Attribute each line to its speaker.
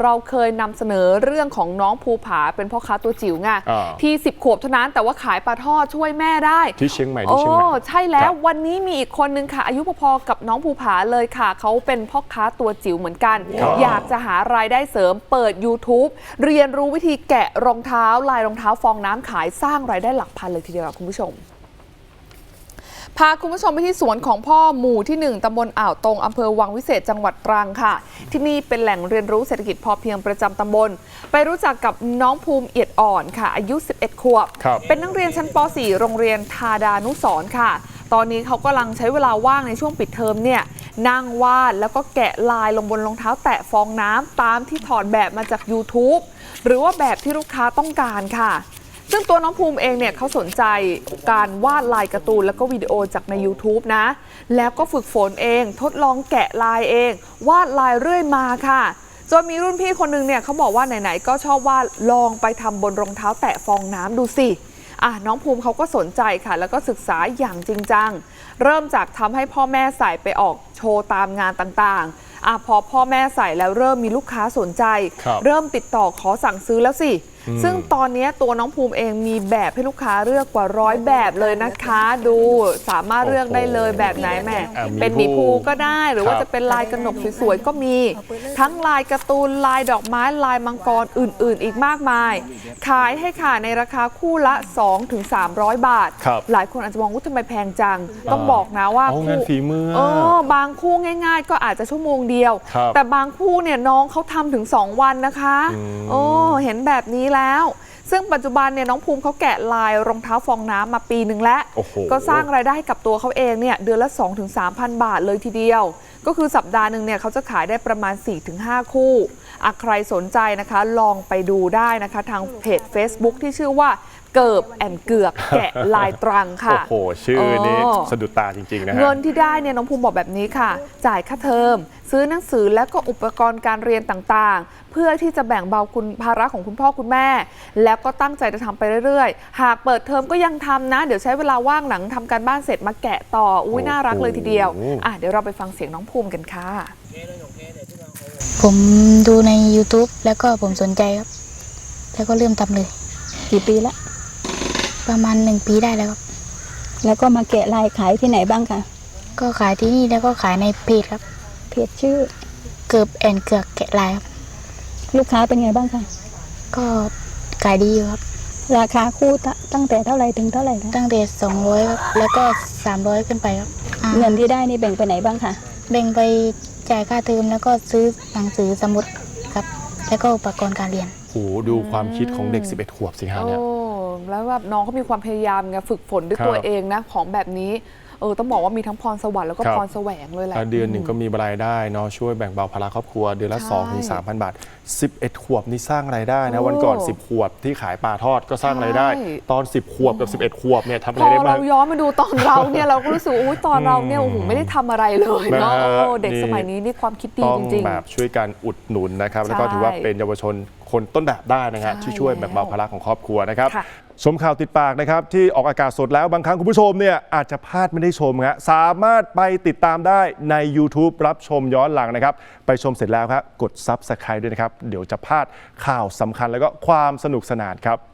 Speaker 1: เราเคยนำเสนอเรื่องของน้องภูผาเป็นพ่อค้าตัวจิ๋วไงที่10 ขวบเท่านั้นแต่ว่าขายปลาทอดช่วยแม่ได้
Speaker 2: ที่เชียงใหม่ที่เชียงใหม่
Speaker 1: ใช่แล้ววันนี้มีอีกคนนึงค่ะอายุพอๆกับน้องภูผาเลยค่ะเขาเป็นพ่อค้าตัวจิ๋วเหมือนกันอยากจะหารายได้เสริมเปิด YouTube เรียนรู้วิธีแกะรองเท้าลายรองเท้าฟองน้ำขายสร้างรายได้หลักพันเลยทีเดียวคุณผู้ชมพาคุณผู้ชมไปที่สวนของพ่อหมู่ที่1ตำบลอ่าวตงอำเภอวังวิเศษจังหวัดตรังค่ะที่นี่เป็นแหล่งเรียนรู้เศรษฐกิจพอเพียงประจำตำบลไปรู้จักกับน้องภูมิเอียดอ่อนค่ะอายุ11 ขวบเป็นนักเรียนชั้นป .4 โรงเรียนธาดานุสรณ์ค่ะตอนนี้เขากำลังใช้เวลาว่างในช่วงปิดเทอมเนี่ยนั่งวาดแล้วก็แกะลายลงบนรองเท้าแตะฟองน้ำตามที่ถอดแบบมาจาก YouTube หรือว่าแบบที่ลูกค้าต้องการค่ะซึ่งตัวน้องภูมิเองเนี่ยเขาสนใจการวาดลายการ์ตูนแล้วก็วิดีโอจากใน YouTube นะแล้วก็ฝึกฝนเองทดลองแกะลายเองวาดลายเรื่อยมาค่ะจนมีรุ่นพี่คนนึงเนี่ยเขาบอกว่าไหนๆก็ชอบวาดลองไปทำบนรองเท้าแตะฟองน้ำดูสิน้องภูมิเขาก็สนใจค่ะแล้วก็ศึกษาอย่างจริงจังเริ่มจากทำให้พ่อแม่ใส่ไปออกโชว์ตามงานต่างๆพอพ่อแม่ใส่แล้วเริ่มมีลูกค้าสนใจเริ่มติดต่อขอสั่งซื้อแล้วสิซึ่งตอนนี้ตัวน้องภูมิเองมีแบบให้ลูกค้าเลือกกว่า100 แบบเลยนะคะดูสามารถเลือกได้เลยแบบไหนแม่เป็นหมีภูก็ได้หรือว่าจะเป็นลายกระหนกสวยๆก็มีทั้งลายการ์ตูนลายดอกไม้ลายมังกรอื่นๆอีกมากมายขายให้ค่ะในราคาคู่ละ 2-300 บาทหลายคนอาจจะมองว่าทำไมแพงจังต้องบอกนะว่า
Speaker 2: คู่ฝีมื
Speaker 1: อบางคู่ง่ายๆก็อาจจะชั่วโมงเดียวแต่บางคู่เนี่ยน้องเขาทำถึง2 วันนะคะเห็นแบบนี้แล้วซึ่งปัจจุบันเนี่ยน้องภูมิเขาแกะลายรองเท้าฟองน้ำมาปีหนึ่งแล้วก็สร้างรายได้ให้กับตัวเขาเองเนี่ยเดือนละ 2-3,000 บาทเลยทีเดียวก็คือสัปดาห์หนึ่งเนี่ยเขาจะขายได้ประมาณ 4-5 คู่ใครสนใจนะคะลองไปดูได้นะคะทางเพจ Facebook ที่ชื่อว่าเกิบแอนเกือกแกะลายตรังค่ะ
Speaker 2: โอ้โหชื่อนี้สะดุดตาจริงๆนะฮะ
Speaker 1: เงินที่ได้เนี่ยน้องภูมิบอกแบบนี้ค่ะจ่ายค่าเทอมซื้อหนังสือและก็อุปกรณ์การเรียนต่างๆเพื่อที่จะแบ่งเบาภาระของคุณพ่อคุณแม่แล้วก็ตั้งใจจะทำไปเรื่อยๆหากเปิดเทอมก็ยังทำนะเดี๋ยวใช้เวลาว่างหลังทำการบ้านเสร็จมาแกะต่อน่ารักเลยทีเดียวเดี๋ยวเราไปฟังเสียงน้องภูมิกันค่ะ
Speaker 3: ผมดูใน YouTube แล้วก็ผมสนใจครับแล้วก็เริ่มทำเลย
Speaker 4: กี่ปีละ
Speaker 3: ประมาณ1 ปีได้แล้วครับ
Speaker 4: แล้วก็มาแกะลายขายที่ไหนบ้างคะ
Speaker 3: ก็ขายที่นี่แล้วก็ขายในเพจครับ
Speaker 4: เพจชื่อ
Speaker 3: เกิบแอนเกือกแกะลายครับ
Speaker 4: ลูกค้าเป็นไงบ้างคะ
Speaker 3: ก็ขายดีอยู่ครับ
Speaker 4: ราคาคู่ตั้งแต่เท่าไหร่ถึงเท่าไหร่
Speaker 3: ตั้งแต่200ครับแล้วก็300ขึ้นไปครับ
Speaker 4: เงินที่ได้นี่แบ่งไปไหนบ้างคะ
Speaker 3: แบ่งไปจ่ายค่าเทอมแล้วก็ซื้อหนังสือสมุดครับแล้วก็อุปกรณ์การเรียน
Speaker 2: โอ้ดูความคิดของเด็ก11 ขวบสิฮะเนี่ย
Speaker 1: แล้วแบบน้องเขามีความพยายามไงฝึกฝนด้วยตัวเองนะของแบบนี้ต้องบอกว่ามีทั้งพรสวรรค์แล้วก็พรแสวงเลยแหละ
Speaker 2: เดือนหนึ่งก็มีรายได้เนาะช่วยแบ่งเบาภาระครอบครัวเดือนละ 2-3,000 บาท11 ขวบนี่สร้างรายได้นะวันก่อน10 ขวบที่ขายปลาทอดก็สร้างรายได้ตอน10 ขวบกับ11 ขวบเนี่ยทำอะไรได้บ้าง
Speaker 1: เราย้อนมาดูตอนเราเนี่ยเราก็รู้สึกตอนเราเนี่ยไม่ได้ทำอะไรเลยเนาะเด็กสมัยนี้นี่ความคิดดีจริง
Speaker 2: ๆแบบช่วยกันอุดหนุนนะครับแล้วก็ถือว่าเป็นเยาวชนคนต้นแบบได้นะครับที่ช่วยแบ่งเบาภาระของครอบครัวนะครับชมข่าวติดปากนะครับที่ออกอากาศสดแล้วบางครั้งคุณผู้ชมเนี่ยอาจจะพลาดไม่ได้ชมครับสามารถไปติดตามได้ใน YouTube รับชมย้อนหลังนะครับไปชมเสร็จแล้วครับกด Subscribe ด้วยนะครับเดี๋ยวจะพลาดข่าวสำคัญแล้วก็ความสนุกสนานครับ